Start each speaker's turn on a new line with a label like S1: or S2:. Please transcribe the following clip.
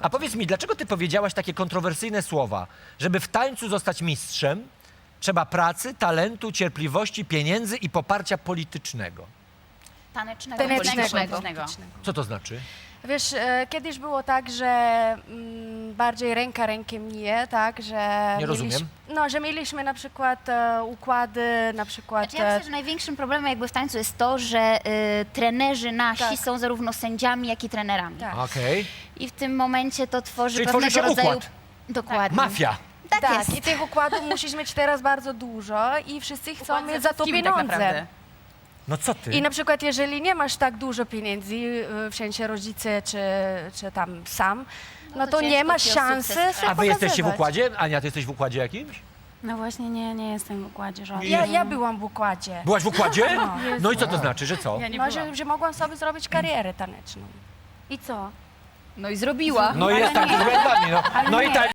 S1: A powiedz mi, dlaczego ty powiedziałaś takie kontrowersyjne słowa? Żeby w tańcu zostać mistrzem, trzeba pracy, talentu, cierpliwości, pieniędzy i poparcia politycznego.
S2: Tanecznego.
S1: Co to znaczy?
S3: Wiesz, kiedyś było tak, że bardziej ręka rękę mije, tak, że...
S1: Nie rozumiem.
S3: Że mieliśmy na przykład układy, na przykład...
S2: Znaczy, ja myślę, że największym problemem jakby w tańcu jest to, że trenerzy nasi
S3: Tak.
S2: są zarówno sędziami, jak i trenerami.
S3: Tak.
S1: Okej.
S2: I w tym momencie to tworzy
S1: Czyli
S2: pewnego
S1: tworzy się
S2: rodzaju...
S1: układ.
S2: Dokładnie.
S1: Mafia.
S2: Tak,
S3: Tak,
S2: jest.
S3: i tych układów musisz mieć teraz bardzo dużo i wszyscy chcą
S4: Układ
S3: mieć
S4: ze
S3: za to
S4: wszystkimi tak
S3: pieniądze.
S4: naprawdę.
S1: No co ty?
S3: I na przykład jeżeli nie masz tak dużo pieniędzy, w sensie rodzice czy tam sam, no to nie
S2: ciężko
S3: masz
S2: ci o
S3: szansy
S2: sukces.
S3: się
S1: A wy jesteście w
S3: pokazywać.
S1: układzie? Ania, ty jesteś w układzie jakimś?
S4: No właśnie nie jestem w układzie żadnym.
S3: Ja byłam w układzie.
S1: Byłaś w układzie? No i co to znaczy, że co?
S4: Ja nie
S3: No,
S4: byłam.
S3: że mogłam sobie zrobić karierę taneczną.
S4: I co?
S5: No i zrobiła.
S1: No i jest tak, z błędami, no. No i tak.